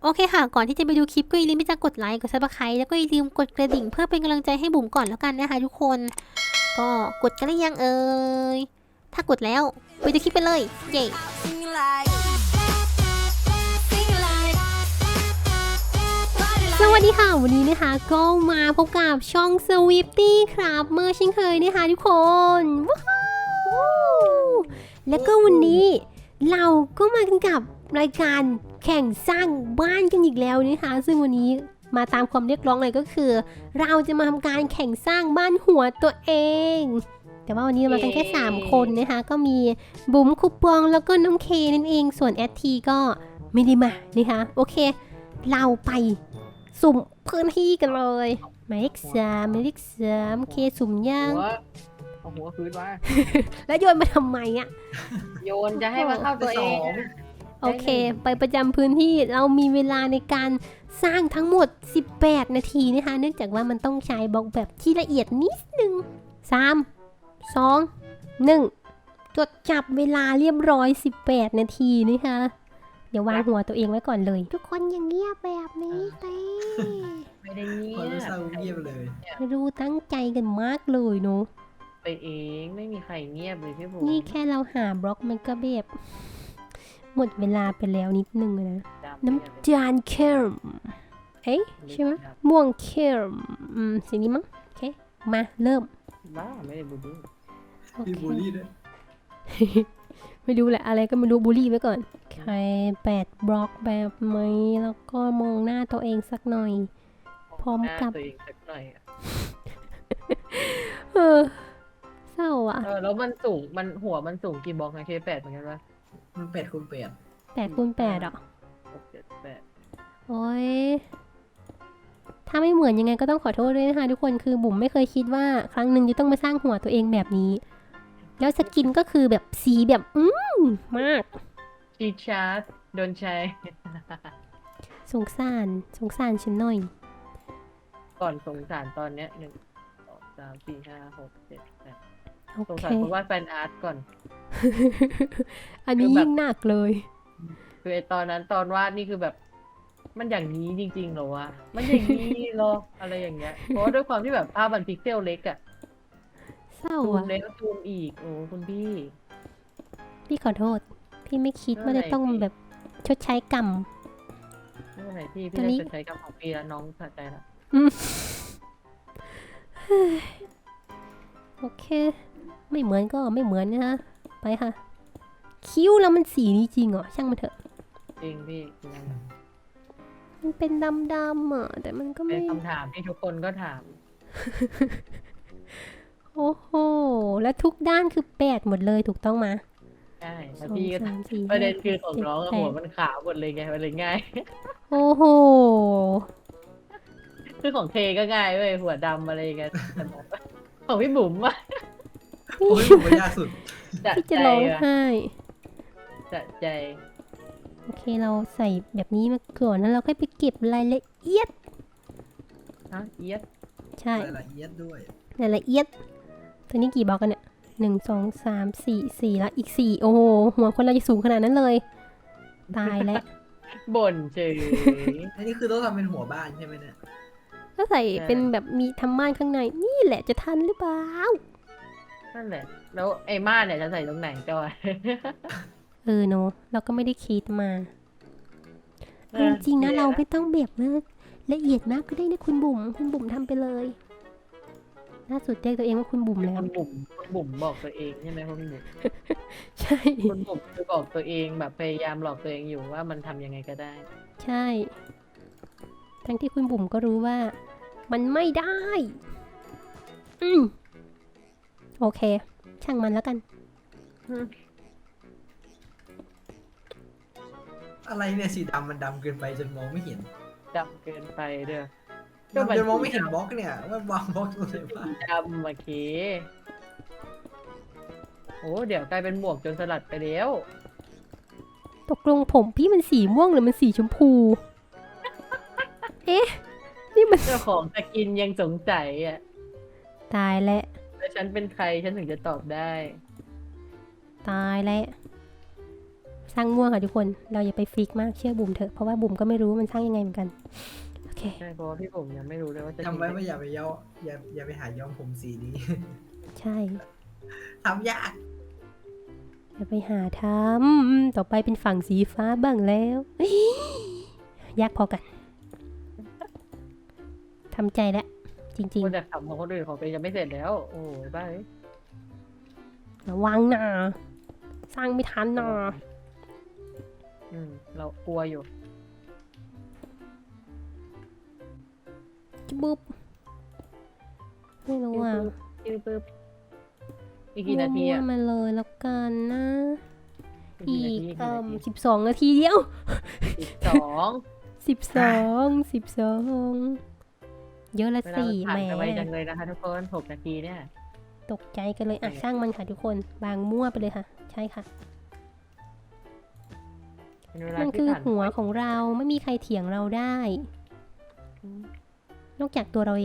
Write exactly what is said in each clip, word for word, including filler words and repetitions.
โอเคค่ะก่อนที่จะไปดูคลิปก็อย่าลืมที่จะกดไลค์กดซับสไครต์แล้วก็อย่าลืมกดกระดิ่งเพื่อเป็นกำลังใจให้บุ๋มก่อนแล้วกันนะคะทุกคนก็กดกันหรือยังเอ่ยถ้ากดแล้วไปดูคลิปไปเลยเย้สวัสดีค่ะวันนี้นะคะก็มาพบกับช่อง Swifty ครับเมื่อเช่นเคยนะคะทุกคนว้าวแล้วก็วันนี้เราก็มากันกับรายการแข่งสร้างบ้านกันอีกแล้วนะคะซึ่งวันนี้มาตามความเรียกร้องเลยก็คือเราจะมาทำการแข่งสร้างบ้านหัวตัวเองแต่ว่าวันนี้เรามากันแค่สามคนนะคะก็มีบุ๋มคุปปองแล้วก็น้องเคนั่นเองส่วนแอดทีก็ไม่ได้มานะคะโอเคเราไปสุ่มพื้นที่กันเลยหมายเลขสามหมายเลขสามเคสุ่มย่างเอาหัวคืนมาแล้วโยนมาทำไมอ่ะโยนจะให้มาเข้าตัวเองโอเคไปประจำพื้นที่เรามีเวลาในการสร้างทั้งหมดสิบแปดนาทีนะคะเนื่องจากว่ามันต้องใช้บล็อกแบบที่ละเอียดนิดนึงสาม สอง หนึ่งจดจับเวลาเรียบร้อยสิบแปดนาทีนะคะเดี๋ยววางหัวตัวเองไว้ก่อนเลยทุกคนอย่างเงียบแบบนี้เต้ไม่ได้เงียบรู้สึกเงียบเลยรู้ตั้งใจกันมากเลยเนาะไปเองไม่มีใครเงียบเลยพี่ผมนี่แค่เราหาบล็อกมันก็แบบหมดเวลาไปแล้วนิดนึงนะน้ำจานเคมเอ๊ะใช่ไหมม่วงเคมอืมสิ่งนี้มั้งโอเคมาเริ่มบ้าไม่ได้บูลลี่มีบูลลี่ด้วยไม่รู้แหละอะไรก็ไม่รู้บูลลี่ไว้ก่อนใครแปดบล็อกแบบไหมแล้วก็มองหน้าตัวเองสักหน่อยพร้อมกับตัวเองสักหน่อยเออเศร้าอ่ะเออแล้วมันสูงมันหัวมันสูงกี่บล็อกนะเคแปดเหมือนกันปะมันแปดคูณแปดแปดคูณแปดอ่ะหกเจ็ดแปดโอ้ยถ้าไม่เหมือนยังไงก็ต้องขอโทษด้วยนะคะทุกคนคือบุ๋มไม่เคยคิดว่าครั้งหนึ่งจะต้องมาสร้างหัวตัวเองแบบนี้แล้วสกินก็คือแบบสีแบบอืมมากชีชาร์ดโดนใช้สงสารสงสารฉันหน่อยก่อนสงสารตอนเนี้ยหนึ่งสองสามสี่ห้าหกเจ็ดแปดสงสารเพราะว่าแฟนอาร์ตก่อนอันนี้ยิ่งหนักเลยคือไอตอนนั้นตอนวาดนี่คือแบบมันอย่างนี้จริงๆเหรอวะมันอย่างนี้เหรออะไรอย่างเงี้ยเพราะด้วยความที่แบบภาพมันพิกเซลเล็กอะเศร้าอะซูมเล็กซูมอีกโอ้คุณพี่พี่ขอโทษพี่ไม่คิดว่าจะต้องแบบชดใช้กรรมไม่เป็นไรพี่พี่ได้ชดใช้กรรมของพี่แล้วน้องสะใจละโอเคไม่เหมือนก็ไม่เหมือนนะคะไปค่ะคิ้วแล้วมันสีนี้จริงเหรอช่างมันเถอะจริงพี่มันเป็นดำๆอ่ะแต่มันก็ไม่เป็นคำถามที่ทุกคนก็ถามโอ้โหแล้วทุกด้านคือแปดหมดเลยถูกต้องมาใช่แล้วพี่ก็ประเด็นคือของน้องหัวมันขาวหมดเลยไงมันเลยง่ายโอ้โหคือของเทก็ง่ายเว้ยหัวดำอะไรกันของพี่บุ๋มอะโอ้ยผมไม่ยากสุดพี่จะร้องไห้จะใจโอเคเราใส่แบบนี้มาก่อนแล้วเราค่อยไปเก็บรายละเอียดฮะเอียดใช่รายละเอียดด้วยรายละเอียดตัวนี้กี่บล็อกกันเนี่ยหนึ่งสองสามสี่สี่แล้วอีกสี่โอ้โหหัวคนเราจะสูงขนาดนั้นเลยตายแล้วบ่นเฉยอันนี้คือต้องทำเป็นหัวบ้านใช่ไหมเนี่ยก็ใส่เป็นแบบมีทำม่านข้างในนี่แหละจะทันหรือเปล่านั่นแหละแล้วไอ้ม่านเนี่ยจะใส่ตรงไหนจอยเออเนาะเราก็ไม่ได้คิดมาจริงๆนะเราไม่ต้องแบบว่าละเอียดมากก็ได้นะคุณบุ๋มคุณบุ๋มทำไปเลยล่าสุดเรียกตัวเองว่าคุณบุ๋มแล้วคุณบุ๋มคุณบุ๋มบอกตัวเองใช่ไหมคุณบุ๋มใช่คุณบุ๋มคือบอกตัวเองแบบพยายามหลอกตัวเองอยู่ว่ามันทำยังไงก็ได้ใช่ทั้งที่คุณบุ๋มก็รู้ว่ามันไม่ได้อืมโอเคช่างมันแล้วกันอะไรเนี่ยสีดำมันดำเกินไปจนมองไม่เห็นดำเกินไปเด้อจนมองไม่เห็นบล็อกเนี่ยว่าวางบล็อกตรงไหนบ้างดำมาเคโอ้เดี๋ยวกลายเป็นหมวกจนสลัดไปแล้วตกลงผมพี่มันสีม่วงหรือมันสีชมพูเอ๊ะนี่มันเจ้าของสกินยังสงสัยอ่ะตายแล้วแล้วฉันเป็นใครฉันถึงจะตอบได้ตายแล้วสร้างมั่วค่ะทุกคนเราอย่าไปฟิกมากเชื่อบุ๋มเถอะเพราะว่าบุ๋มก็ไม่รู้ว่ามันสร้างยังไงเหมือนกันโอเคใช่เพราะว่าพี่ผมยังไม่รู้เลยว่าจะจำไว้ทิ้งว่าอย่าไปย้อมอย่าอย่าไปหาย้อมผมสีนี้ใช่ทำยากอย่าไปหาทำต่อไปเป็นฝั่งสีฟ้าบ้างแล้วเฮ้ยยากพอกันทำใจแล้วจริงคนแต่ทำของคนอื่นของตัวเองยังไม่เสร็จแล้ว โอ้ยบ้าเอ้ยๆระวังนะสร้างไม่ทันนะอืมเรากลัวอยู่จะบุบไม่รู้อ่ะปึ๊บปึ๊บอีกกี่นาทีอ่ะมั่วๆมาเลยแล้วกันนะอีอีกกกี่เอ่นาอทีสิบสองนาทีเดียวสิบสองสิบสองสิบสองเยอะละเวลาสี่มันแหมผ่านไปไวจังเลยนะคะทุกคนหกนาทีเนี่ยตกใจกันเลยอ่ะช่างมันค่ะทุกคนบางมั่วไปเลยค่ะ ใช่ค่ะเป็นเวลามันที่คือผ่านหัวของเราไม่มีใครเถียงเราได้ นอกจากตัวเราเอง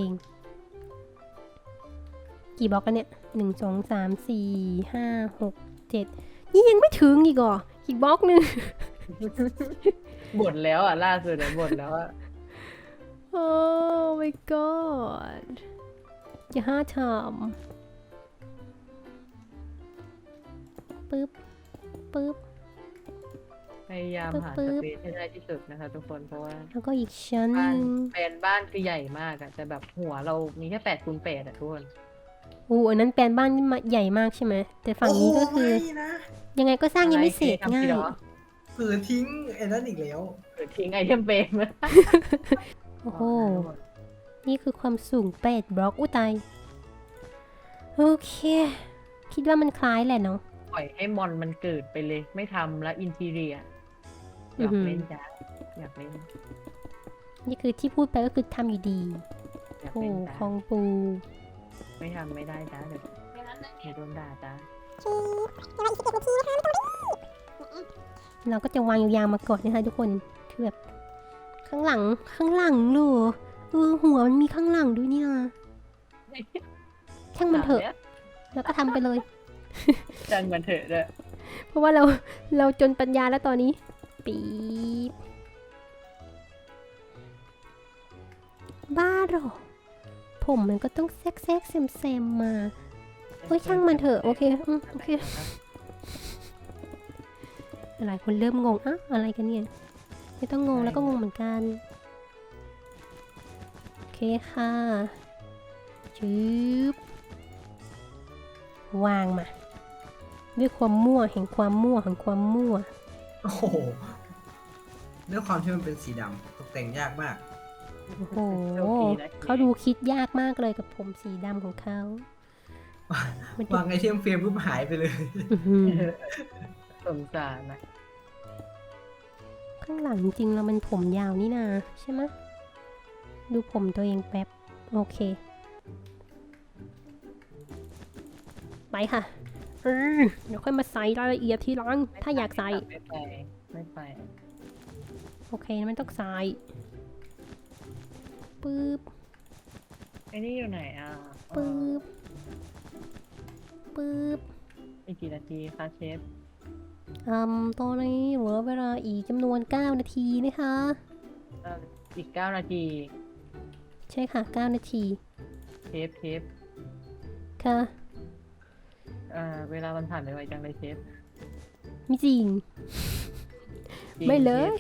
กี่บล็อกกันเนี่ยหนึ่งสองสามสี่ห้าหกเจ็ดนี่ยังไม่ถึงอีกเหรออีกบล็อกหนึ่งบ่นแล้วอ่ะล่าสุดเนี่ยบ่นแล้วอ่ะโอ้ my god อย่าห้าทำปึ๊บปึ๊บพยายามหาปึ๊สบเปซให้ได้ที่สุดนะคะทุกคนเพราะว่าแล้วก็อีกชั้นหบ้านนึ่งแปลนบ้านคือใหญ่มากอะแต่แบบหัวเรามีแค่แปดคูณแปดอะทุกคนอู้อันนั้นแปลนบ้านนี่มาใหญ่มากใช่ไหมแต่ฝั่งนี้ก็คือโไม่นะยังไงก็สร้างยังไม่เสร็จอะไรง่ายทำผิดเหรอเผือทิ้งไอ้นั่นอีกแล้วหรือทิ้งไอเทมเปรมโอ้โห นี่คือความสูงแปดบล็อกอุ้ยตายโอเค คิดว่ามันคล้ายแหละเนาะปล่อยให้มอนมันเกิดไปเลย ไม่ทำแล้วอินทีเรียอยากเล่นจ้าอยากเล่นนี่คือที่พูดไปก็คือทำอยู่ดีอยากโอ้เล่นขจ้าองปูไม่ทำไม่ได้จ้าเดี๋ยวเดี๋ยวโดนด่าจ้าเราก็จะวางยาวๆมาก่อนนะคะทุกคนคือแบบข้างหลังข้างหลังเหรอเออหัวมันมีข้างหลังด้วยเนี่ยช่างมันเถอะ แล้วก็ทำไปเลยจังมันเถอะเด้อเพราะว่าเราเราจนปัญญาแล้วตอนนี้ ปี๊บบ้าเหรอ ผมมันก็ต้องแซกแซกเซมเซมๆมาเฮ้ยช่างมันเถอะโอเคอืมโอเคหลายคนเริ่มงงอะอะไรกันเนี่ยไม่ต้องงงแล้วก็งงเหมือนกันโอเคค่ะชืบวางมา ด้วยความมั่วแห่งความมั่วแห่งความมั่วโอ้โหด้วยความที่มันเป็นสีดำตกแต่งยากมากโอ้โหโชคดีนะเขาดูคิดยากมากเลยกับผมสีดำของเขามันจะวางไอเทมเฟรมปุ๊บหายไปเลยอื้อหือสงสารนะข้างหลังจริงๆแล้วมันผมยาวนี่นาใช่ไหมะดูผมตัวเองแป๊บ โอเค ไปค่ะเออเดี๋ยวค่อยมาใส่รายละเอียดทีหลัง ถ้าอยากใส่ไม่ไปไม่ไปโอเคมันต้องใส่ปึ๊บไอ้นี่อยู่ไหนอ่ะเอปึ๊อบปึ๊บอีกกี่นาทีคะเชฟอืมตอนนี้เหลือเวลาอีกจำนวนเก้านาทีนะคะเอ่ออีกเก้านาทีใช่ค่ะเก้านาทีเชฟเชฟค่ะเอ่อเวลามันผ่านไปไวจังเลยเชฟไม่จริงจริงไม่เลยชฟ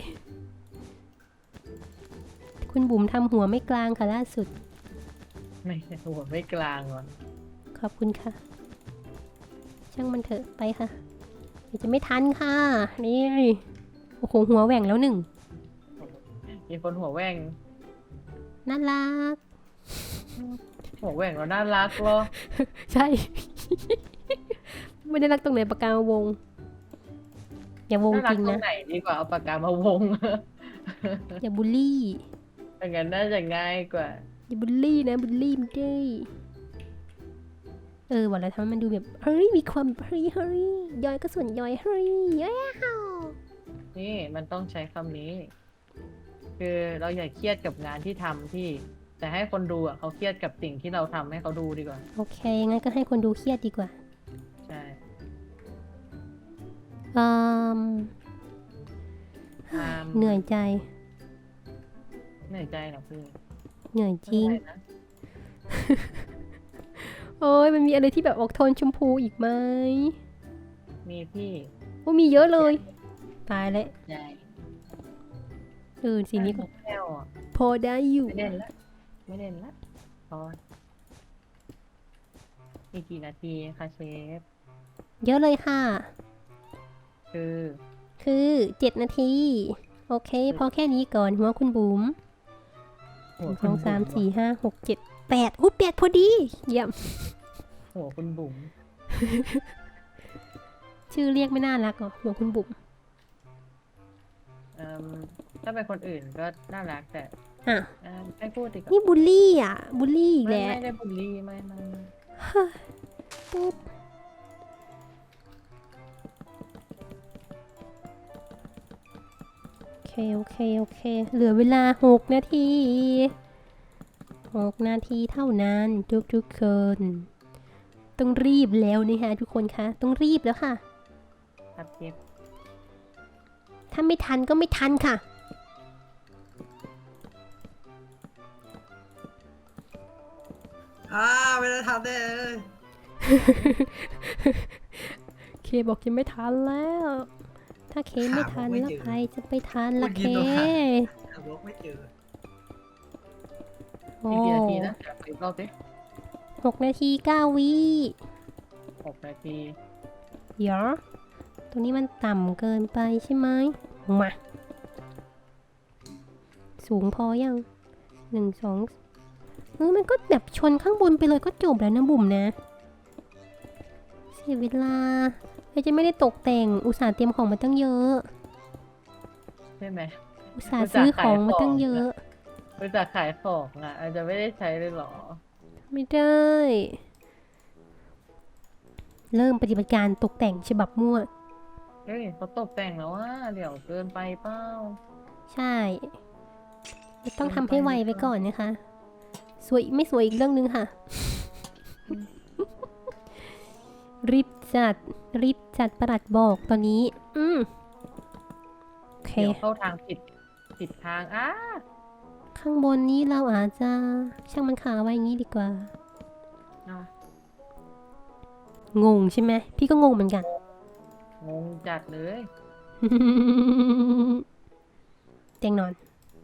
คุณบุ๋มทำหัวไม่กลางค่ะล่าสุดไม่หัวไม่กลางว่ะขอบคุณค่ะ ช่างมันเถอะไปค่ะเดี๋ยวจะไม่ทันค่ะ นี่ โอ้โหหัวแหว่งแล้วหนึ่งมีคนหัวแหว่งน่ารักหัวแหว่งแล้วน่ารักเหรอใช่ ไม่ได้รักตรงไหนปากกามาวง อย่าวงน่ารัจกริงตรนะงไหนดีกว่าเอาปากกามาวงอย่าบูลลี่อย่างนั้นน่าจะง่ายกว่าอย่าบูลลี่นะบูลลี่ไม่ได้เออวันละทำให้มันดูแบบเฮ้ยมีความเฮ้ยเฮ้ยย่อยก็ส่วนย่อยเฮ้ยย้อยอ้าวนี่มันต้องใช้คำนี้ คือเราอย่าเครียดกับงานที่ทำที่ แต่ให้คนดูอ่ะเขาเครียดกับสิ่งที่เราทำให้เขาดูดีกว่าโอเคงั้นก็ให้คนดูเครียดดีกว่าใช่อืมอ่าเหนื่อยใจเหนื่อยใจเหรอพี่เหนื่อยจริงไม่เป็นไนะโอ้ยมันมีอะไรที่แบบออกโทนชมพูอีกไหมมีพี่โอ้มีเยอะเลย ตายแล้วใหญ่เออสีนี้ก็แก้วอ่ะพอได้อยู่ไม่เล่นละไม่เล่นละพออีกกี่นาทีคะเชฟเยอะเลยค่ะคือคือเจ็ดนาที โอเค พอแค่นี้ก่อนหัวคุณบุ๋มหัวสคุอณงสามบุ๋สี่ห้าหกเจ็ดแปดอู้แปดพอดี เยี่ยมหัวคุณบุ๋มชื่อเรียกไม่น่ารักหรอหัวคุณบุ๋มเอิ่มถ้าเป็นคนอื่นก็น่ารักแต่อ่ะเอิ่มไม่พูดดีกว่านี่บูลลี่อ่ะ บูลลี่อีกไม่แล้วไม่ได้บูลลี่ไม่ไม่ไม่ปุ๊บโอเค โอเค โอเค เหลือเวลาหกนาทีหกนาทีเท่านั้นทุกทุกๆคน ต้องรีบแล้วนี่ฮะทุกคนคะ ต้องรีบแล้วค่ะครับเชฟถ้าไม่ทันก็ไม่ทันค่ะอ่าไม่ได้ทำได้เลยเคบอกจะไม่ทันแล้ว ถ้าเคไม่ทันแล้วใครจะไปทันล่ะเคหาบล็อกไม่เจอโอ้อีกกี่นาทีนะเดี๋ยวอีกรอบสิหกนาทีเก้าวิหกนาทีเดี๋ยวตรงนี้มันต่ำเกินไปใช่ไหมมา สูงพอยังหนึ่งสองเออมันก็แบบชนข้างบนไปเลยก็จบแล้วนะบุ๋มนะ เสียเวลาเราจะไม่ได้ตกแต่งอุตส่าห์เตรียมของมาตั้งเยอะใช่ไหมอุตส่าห์ซื้อของมาตั้งเยอะบริจาคขายของอ่ะอาจจะไม่ได้ใช้เลยเหรอไม่ได้ เริ่มปฏิบัติการตกแต่งฉบับมั่วเฮ้ยเขาตกแต่งแล้วว่าเดี๋ยวเกินไปเปล่าใช่ต้องทำให้ไวไว้ก่อนนะคะ สวยไม่สวยอีกเรื่องนึงค่ะ รีบจัด รีบจัดประหลัดบอกตอนนี้ อืมโอเคเดี๋ยวเข้าทางผิดผิดทางอ้าข้างบนนี้เราอาจจะช่างมันขาไว้อย่างนี้ดีกว่าอ่ะงงใช่ไหม พี่ก็งงเหมือนกันงงจัดเลยเตียงนอน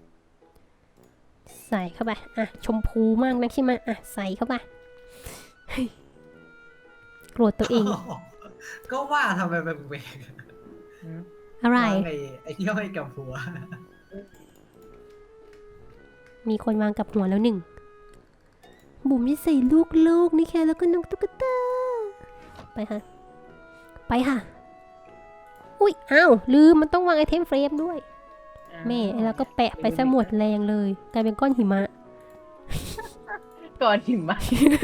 ใส่เข้าไป อ่ะ ชมพูมากนะใช่ไหมอ่ะ ใส่เข้าไปเฮ้ยโกรธตัวเองก็ว่าทำไมแปลกอืมอะไรๆวางไอ้ไอ้ที่ห้อยกับหัวมีคนวางกับหัวแล้วหนึ่ง บุ๋มจะใส่ลูกโลกนี่แค่แล้วก็นกตุ๊กตา ไปค่ะ ไปค่ะ อุ้ย อ้าว ลืม มันต้องวางไอเทมเฟรมด้วย แม่แล้วก็แปะไปซะหมดแรงเลย กลายเป็นก้อนหิมะก่อนหิมะ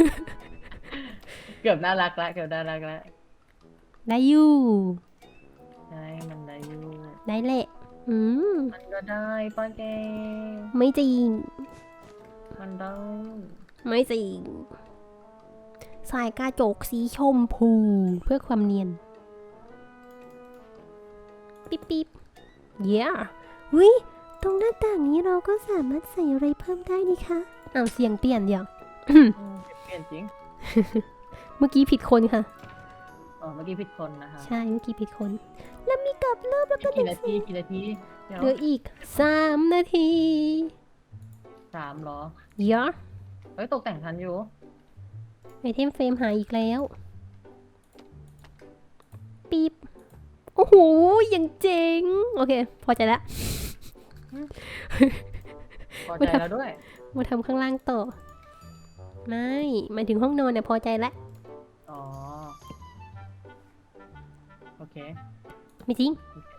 เกือบน่ารักละเกือบน่ารักละได้อยู่ใช่มันได้อยู่ได้แหละ อืมมันก็ได้ป้าแกไม่จริงมันได้ไม่จริง สายกระจกสีชมพูเพื่อความเนียน ปิ๊บปิ๊บเย้วิตรงหน้าต่างนี้เราก็สามารถใส่อะไรเพิ่มได้นี่คะอ้าวเสียงเปลี่ยนเดี๋ยวอืมเปลี่ยนจริงเมื่อกี้ผิดคนค่ะอ๋อเมื่อกี้ผิดคนนะคะใช่ เมื่อกี้ผิดคน แล้วมีกลับเริ่มแล้วก็กี่นาทีกี่นาทีเดี๋ยวเหลืออีกสามนาทีสามเหรอเยอะเฮ้ยตกแต่งทันอยู่ไอเทมเฟรมหายอีกแล้ว ปีบโอ้โหยังเจ๋ง โอเค พอใจแล้วพอใจแล้วด้วยมาทำข้างล่างต่อ ไม่หมายถึงห้องนอนเนี่ยพอใจแล้วอ๋อ โอเคไม่จริง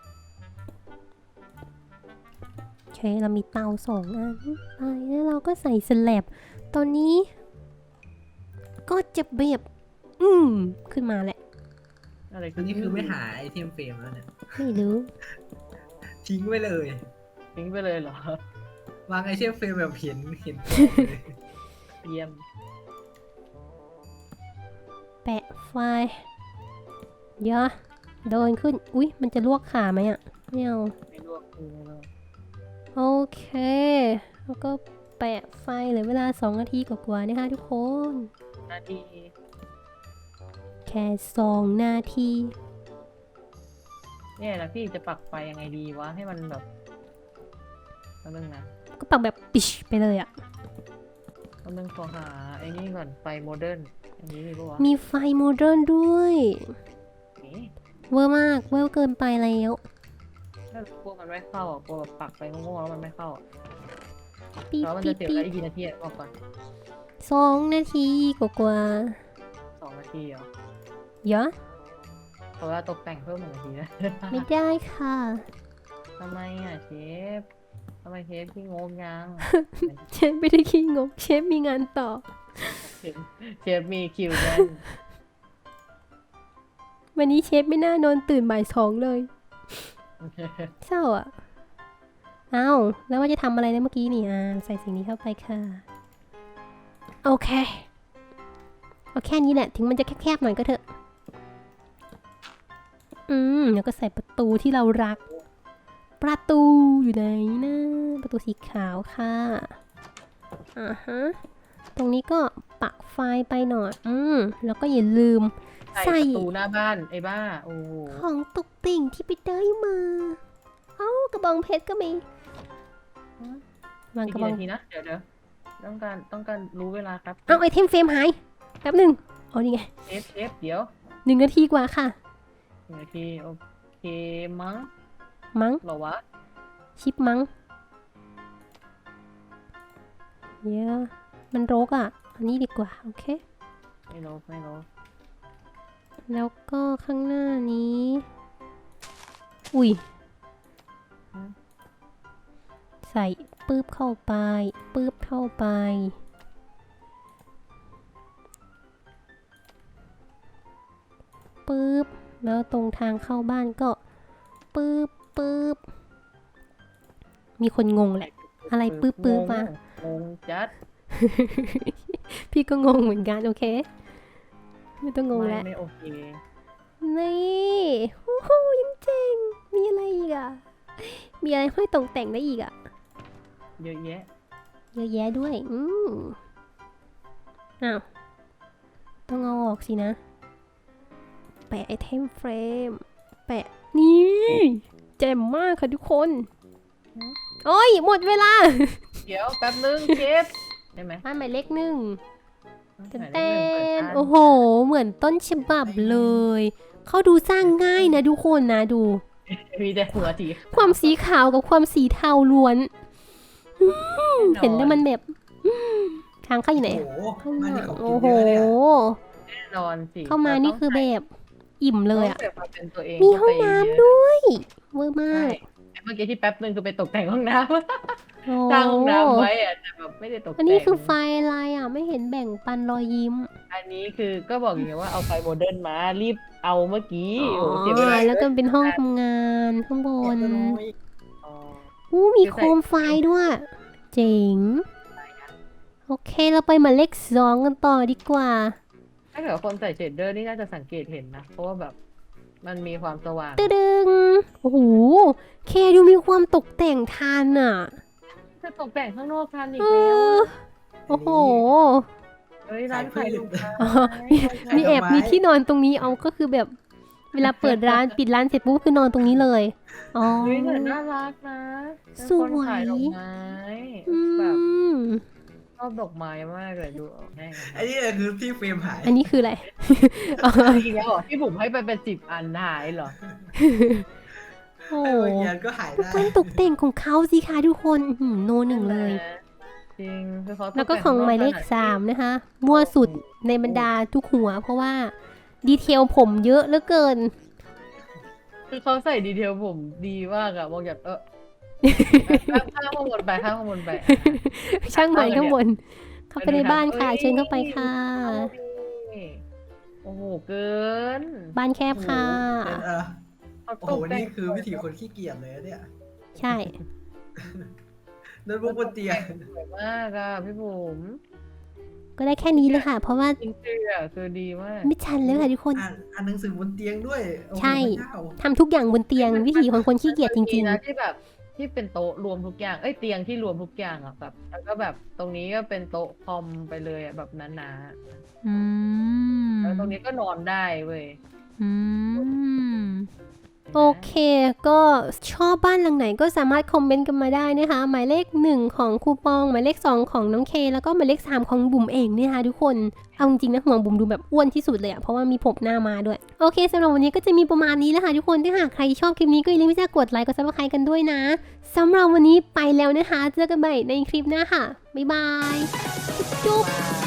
โอเค เรามีเตาสองอันไปแล้วเราก็ใส่สแลบตอนนี้ ก็จะแบบ อืม ขึ้นมาแหละอะไรอันนี้คือไม่หาไอเทมเฟรมแล้วเนี่ยไม่รู้ทิ้งไว้เลยทิ้งไปเลยเหรอวางไอเทมเฟรมแบบเห็นเห็นเยี่ยมแปะไฟล์เยอะเดินขึ้น อุ๊ย มันจะลวกขาไหมอ่ะ ไม่เอาไม่ลวกคือไม่ลวกโอเค แล้วก็แปะไฟเหลือเวลาสองนาทีกว่าๆนะคะทุกคนนาทีแค่สองนาทีเนี่ยนะพี่จะปักไฟยังไงดีวะให้มันแบบแป๊บนึงนะก็ปักแบบปิชไปเลยอ่ะแป๊บนึงขอหาไอ้นี่ก่อนไฟโมเดิร์นอันนี้มีปะวะมีไฟโมเดิร์นด้วยเอ๊ะเวอร์มาก เวอร์เกินไปแล้วถ้ากลัวมันไม่เข้าอ่ะกลัวแบบปักไปโง่ๆแล้วมันไม่เข้าอ่ะปี๊แล้วมันปี๊จะเสียเวปี๊ลาอีกกี่นาทีอ่ะบอกก่อนสองนาทีกว่าสองนาทีเหรอๆเยอะเพราะว่าตกแต่งเพิ่มหนึ่งนาทีนะไม่ได้ค่ะทำไมอ่ะเชฟทำไมเชฟที่งงยังเชฟไม่ได้ขี้งก เชฟมีงานต่อเชฟเชฟมีคิวแน่นวันนี้เชฟไม่น่านอนตื่นบ่ายสองเลย เศร้าอ่ะ เอ้า แล้วว่าจะทำอะไรนะเมื่อกี้นี่อ่าใส่สิ่งนี้เข้าไปค่ะ โอเค เอาแค่นี้แหละ ถึงมันจะแคบๆหน่อยก็เถอะ อืม แล้วก็ใส่ประตูที่เรารัก ประตูอยู่ไหนนะ ประตูสีขาวค่ะ อ่าฮะ ตรงนี้ก็ปักไฟไปหน่อย อืม แล้วก็อย่าลืมใส่ใส่ประตูหน้าบ้านไอ้บ้า โอ้โหของตกแต่งที่ไปได้มา เอ้ากระบองเพชรก็มี วางอีกกระบกี่องนาทีนะ เดี๋ยวเดี๋ยวต้องการต้องการรู้เวลาครับเอาไอเทมเฟรมหาย แป๊บหนึ่งอ๋อนี่ไงเชฟเชฟเดี๋ยวหนึ่งนาทีกว่าค่ะหนึ่งนาทีโอเคมั้งมั้งเหรอวะชิปมั้งเดี๋ยวมันรกอ่ะ อันนี้ดีกว่า โอเคไม่รู้ไม่รู้แล้วก็ข้างหน้านี้ อุ้ย ใส่ปื๊บเข้าไป ปื๊บเข้าไป ปื๊บ แล้วตรงทางเข้าบ้านก็ ปื๊บปื๊บ มีคนงงแหละ อะไรปื๊บปื๊บมางงจัดพี่ก็งงเหมือนกัน โอเค ไม่ต้องงงไม่แล้วไม่โอเคนี่โอ้โหยังเจ๋ง มีอะไรอีกอ่ะ มีอะไรห้อยตกแต่งได้อีกอ่ะเยอะแยะเยอะแยะด้วย อืมอ้าว ต้องเอาออกสินะ แปะไอเทมเฟรม แปะ นี่เจ๋มมากค่ะทุกคน โอ้ย หมดเวลาเดี๋ยวแป๊บนึงเชฟได้ไหมบ้านหมายเลขหนึ่งหมายเลเต้ขหนึ่งเปิดนบ้านโอ้โห เหมือนต้นฉบับเลย เขาดูสร้างง่ายนะทุกคนนะดูมีแต่หัวสีความสีขาวกับความสีเทาล้วน เห็นแล้วมันแบบทางเข้าอยู่ไหนโอ้โหข้างหมาน้าที่ของกิโอ้นโหเยอะเลยอะแน่นอนสิเข้ามานี่คือแบบอิ่มเลยอ่ะต้องใส่ความเป็นตัวเองมีห้องเข้าไปน้ำเยอะด้วยเวอร์มาใช่กเมื่อกี้ที่แป๊บนึงคือไปตกแต่งห้องน้โอ้ำ สร้างห้องน้ำไว้อะแต่แบบไม่ได้ตกแต่งอันนี้คือไฟอะไรอ่ะ ไม่เห็นแบ่งปันรอยยิ้มอันนี้คือก็บอกอย่างเงี้ยว่าเอาไฟโมเดิร์นมารีบเอาเมื่อกี้อ๋โอ้เสียเวลาอแล้วก็เป็นห้องทำงานข้างบนเล็กน้อยอ๋ออู้มีโคมไฟด้วย เจ๋ง โอเคเราไปหมายเลขสองกันต่อดีกว่าถ้าเกิดคนใส่เชดเดอร์นี่น่าจะสังเกตเห็นนะ เพราะว่าแบบมันมีความสว่างตึดึงโอ้โหเคดูมีความตกแต่งทันอ่ะจะตกแต่งข้างนอกทันอีกเอแล้วออะโอ้โหเฮ้ยร้านขายลูกค้าอ๋อ มีแอบมีที่นอนตรงนี้เอาก็คือแบบ เวลาเปิดร้านปิดร้านเสร็จปุ๊บคือนอนตรงนี้เลย อ๋อเฮ้ยแต่น่ารักนะเป็นสวยคนขายดอกไม้อืแบบมชอบดอกไม้มากเลยดูเอาแน่ไอ้นี่คือที่เฟรมหายอันนี้คืออะไรอีกแล้วเหรอที่ผมให้ไปเป็นสิบอันหายเหรอโอ้ไอ้โหบางอย่างก็หายดูได้การตกแต่งของเขาสิคะทุกคนอื้อหือโนหนึ่งเลยจริงคือเขาตแล้วก็ต่ของหมายเลขนอกสามนะคะ มั่วสุดในบรรดาทุกหัว เพราะว่าดีเทลผมเยอะเหลือเกินคือเขาใส่ดีเทลผมดีมากอะมองแบบเออข้ามข้ามข้างบนไปข้ามข้างบนไปช่างหมายข้างบน เข้าไปในบ้านค่ะ เชิญเข้าไปค่ะโอ้โหเกินบ้านแคบค่ะเป็นเออเขาโอ้ตโหกแต่งนี่คือวิถีคนขี้เกียจเลยอะเนี่ยใช่โน้ตบุ๊กบนเตียงสวยมากอะพี่บุ๋มก็ก็ได้แค่นี้เลยค่ะ เพราะว่าจริงๆอ่ะคือดีมากไม่ชันเลยค่ะทุกคนอ่านอ่านหนังสือบนเตียงด้วยโอ้โหใช่พระเจ้าทำทุกอย่างบนเตียงวิถีของคนขี้เกียจจริงนะที่แบบที่เป็นโต๊ะรวมทุกอย่างเอ้ยเตียงที่รวมทุกอย่างอ่ะแบบแล้วก็แบบตรงนี้ก็เป็นโต๊ะคอมไปเลยอ่ะแบบหนาๆ อืมๆแล้วตรงนี้ก็นอนได้เว้ยอืม โอเค ก็ชอบบ้านหลังไหนก็สามารถคอมเมนต์กันมาได้นะคะ หมายเลขหนึ่งของคูปอง หมายเลขสองของน้องเค แล้วก็หมายเลขสามของบุ๋มเองเนี่ยค่ะทุกคน เอาจริงๆนะห่วงบุ๋มดูแบบอ้วนที่สุดเลยอะเพราะว่ามีผมหน้ามาด้วย โอเคสำหรับวันนี้ก็จะมีประมาณนี้แหละค่ะทุกคน ถ้าหากใครชอบคลิปนี้ก็อย่าลืมที่จะกดไลค์กดซับสไครต์กันด้วยนะสำหรับวันนี้ไปแล้วนะคะ เจอกันใหม่ในคลิปหน้าค่ะ บ๊ายบาย จุ๊บ